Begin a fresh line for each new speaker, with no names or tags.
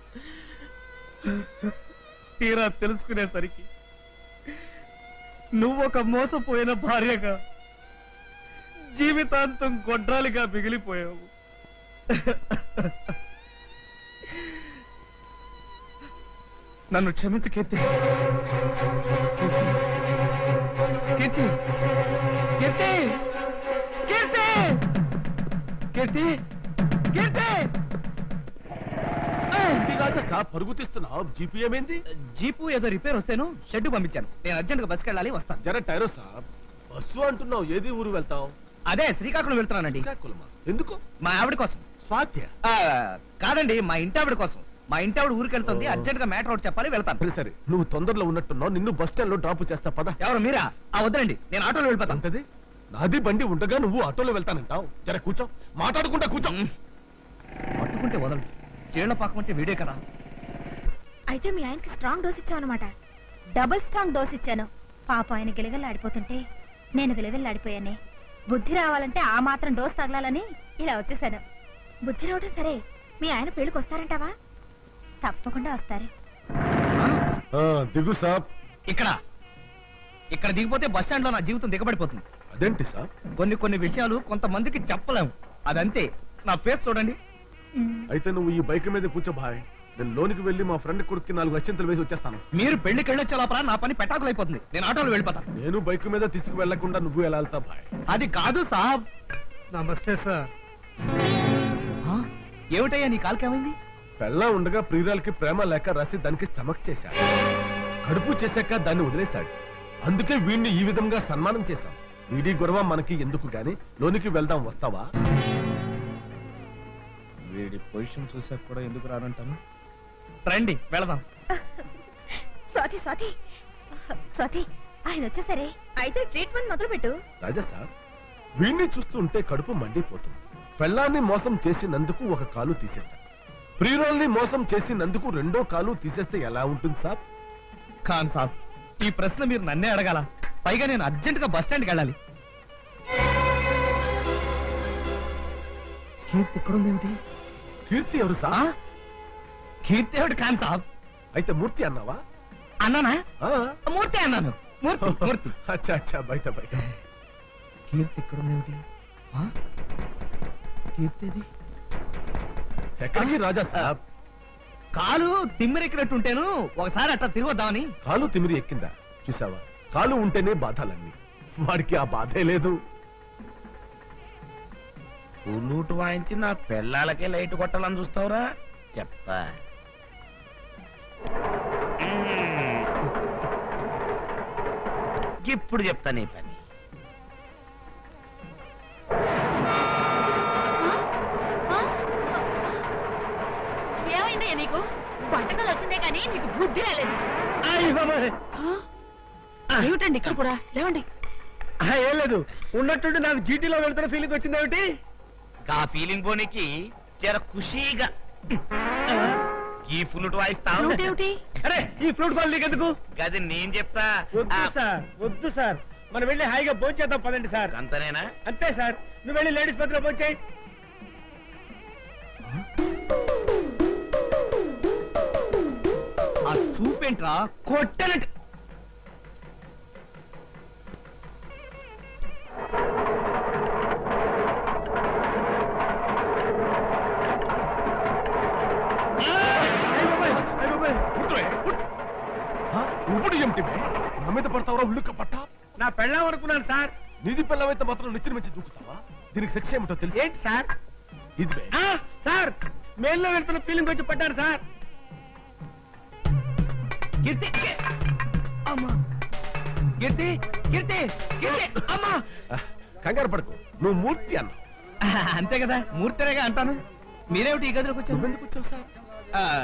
తీరా తెలుసుకునేసరికి నువ్వొక మోసపోయిన భార్యగా జీవితాంతం గొడ్రాలిగా మిగిలిపోయావు. నన్ను క్షమించు కీర్తి. కీర్తి కీర్తి కీర్తి కీర్తి కీర్తి
పరుగు తీస్తున్నావు. జీపు ఏమైంది?
జీపు ఏదో రిపేర్ వస్తేను షెడ్ పంపించాను. నేను అర్జెంట్ గా బస్కి వెళ్ళాలి, వస్తాను.
జర టైరో సాబ్. బస్సు అంటున్నావు, ఏది ఊరు వెళ్తావు?
అదే శ్రీకాకుళం వెళ్తున్నానండి.
శ్రీకాకుళమా? ఎందుకు?
మా ఆవిడ కోసం.
స్వాత్య?
కాదండి, మా ఇంటి ఆవిడ కోసం. మా ఇంటి ఆవిడ ఊరికి వెళ్తుంది, అర్జెంట్ గా మ్యాటర్ ఒకటి చెప్పాలి, వెళ్తాను.
సరే సరే, నువ్వు తొందరలో ఉన్నట్టున్నావు. నిన్ను బస్ స్టాండ్ లో డ్రాప్ చేస్తా, పద.
ఎవరు మీరా? వద్దండి, నేను ఆటోలో వెళ్ళిపోతాను.
అంటది నాది బండి ఉండగా నువ్వు ఆటోలో వెళ్తానంటావు. జర కూర్చో, మాట్లాడుకుంటా కూర్చో.
పట్టుకుంటే వదలండి, చీళ్ల పాకం అంటే వీడే కదా.
అయితే మీ ఆయనకి స్ట్రాంగ్ డోస్ ఇచ్చావు అనమాట. డబుల్ స్ట్రాంగ్ డోస్ ఇచ్చాను. పాప ఆయన గిలగల్లాడిపోతుంటే నేను గిలగల్లాడిపోయానే. బుద్ధి రావాలంటే ఆ మాత్రం డోస్ తగలాలని ఇలా వచ్చేసాను. బుద్ధి రావటం సరే, మీ ఆయన పెళ్లికి వస్తారంటావా? తప్పకుండా వస్తారు.
దిగు సాబ్.
ఇక్కడ దిగిపోతే బస్ స్టాండ్ లో నా జీవితం దిగబడిపోతుంది.
అదేంటి సాబ్?
కొన్ని విషయాలు కొంతమందికి చెప్పలేము, అదంతే. నా ఫేస్ చూడండి.
అయితే నువ్వు ఈ బైక్ మీద కూర్చో భాయ్. నేను లోనికి వెళ్లి మా ఫ్రెండ్ కొడుక్కి 4 అత్యంతలు వేసి వచ్చేస్తాను.
మీరు పెళ్లికి వెళ్ళొచ్చే లోపల నా పని పెటాకులైపోతుంది. నేను ఆటోలో వెళ్ళిపోతాను.
నేను బైక్ మీద తీసుకు వెళ్లకుండా నువ్వు ఎలా వెళ్తా భాయ్?
అది కాదు సాబ్. నమస్తే సార్. ఏమిటయ్యా నీ కాలుకేమైంది?
పెళ్ళ ఉండగా ప్రియురాలకి ప్రేమ లేక రాసి దానికి స్టమక్ చేశాడు. కడుపు చేశాక దాన్ని వదిలేశాడు. అందుకే వీడిని ఈ విధంగా సన్మానం చేశాం. వీడి గొడవ మనకి ఎందుకు గాని, లోనికి వెళ్దాం, వస్తావా?
వీడి పొజిషన్ చూసాక కూడా ఎందుకు రానంటాను. రండి వెళదాం.
స్వాతి స్వాతి స్వాతి, ఆయన వచ్చేసరే. అయితే ట్రీట్మెంట్ మొదలు పెట్టు.
రాజా సార్, వీడిని చూస్తుంటే కడుపు మండిపోతుంది. పెళ్ళాన్ని మోసం చేసినందుకు ఒక కాలు తీసేశాం. ప్రియురాల్ని మోసం చేసినందుకు 2వ కాలు తీసేస్తే ఎలా ఉంటుంది సార్?
ఖాన్ సాబ్, ఈ ప్రశ్న మీరు నన్నే అడగాల. పైగా నేను అర్జెంట్ గా బస్ స్టాండ్కి వెళ్ళాలి. కీర్తి ఎక్కడుందేమిటి?
కీర్తి ఎవరు సార్?
కీర్తి ఎవడు ఖాన్ సాబ్?
అయితే మూర్తి అన్నావా?
అన్నానా? మూర్తి అన్నాను. మూర్తి.
అచ్చా అచ్చా, బయట బయట.
కీర్తి ఎక్కడుందేమిటి? కీర్తిది
ఎక్కడికి రాజా సాబ్?
కాలు తిమ్మిరెక్కినట్టుంటేను ఒకసారి అట్లా తిరగొద్దామని.
కాలు తిమిరి ఎక్కిందా? చూసావా, కాలు ఉంటేనే బాధలన్నీ. వాడికి ఆ బాధే లేదు.
పుల్లూటు వాయించి నా పెళ్ళాలకే లైట్ కొట్టాలని చూస్తావురా? చెప్తా. ఇప్పుడు చెప్తా నీ పని.
ఏమైందయ్యా నీకు? వంటకాలు వచ్చిందే కానీ నీకు బుద్ధి రాలేదు. ఏమిటండి ఇక్కడ కూడా? లేవండి.
ఏం లేదు, ఉన్నట్టుండి నాకు జీటీలో వెళ్తున్న ఫీలింగ్ వచ్చిందేమిటి?
ఆ ఫీలింగ్ పోనీకి జర ఖుషీగా ఈ ఫ్లూట్ వాయిస్తావు.
అరే, ఈ ఫ్లూట్ బాల్ నీకెందుకు?
గది నేను చెప్తా.
వద్దు సార్, మనం వెళ్ళి హాయిగా భోంచేద్దాం, పదండి సార్.
అంతనేనా?
అంతే సార్, నువ్వు వెళ్ళి లేడీస్ పత్రిక భోంచేయి. ఆ చూపేంట్రా, కొట్టనట్టు.
ఇప్పుడు ఏమిటి నా మీద పడతావరా? ఉళ్ళుక్క పట్ట.
నా పెళ్ళాం అనుకున్నాను సార్.
నీది పెళ్ళమైతే మాత్రం నిచ్చిన మంచి దూకుతావా? దీనికి శిక్ష ఏమిటో తెలుసు?
ఏంటి సార్?
ఇది
సార్, మేల్లో వెళ్తున్న ఫీలింగ్ వచ్చి పడ్డారు సార్. కీర్తి, అమ్మా, కీర్తి, కీర్తి, కీర్తి, అమ్మా.
కంగారు పడకు, నువ్వు మూర్తి అన్నావు.
అంతే కదా, మూర్తిరేగా అంటాను. మీరేమిటి ఈ గదిలోకి వచ్చారు?
ఎందుకు వచ్చావు సార్?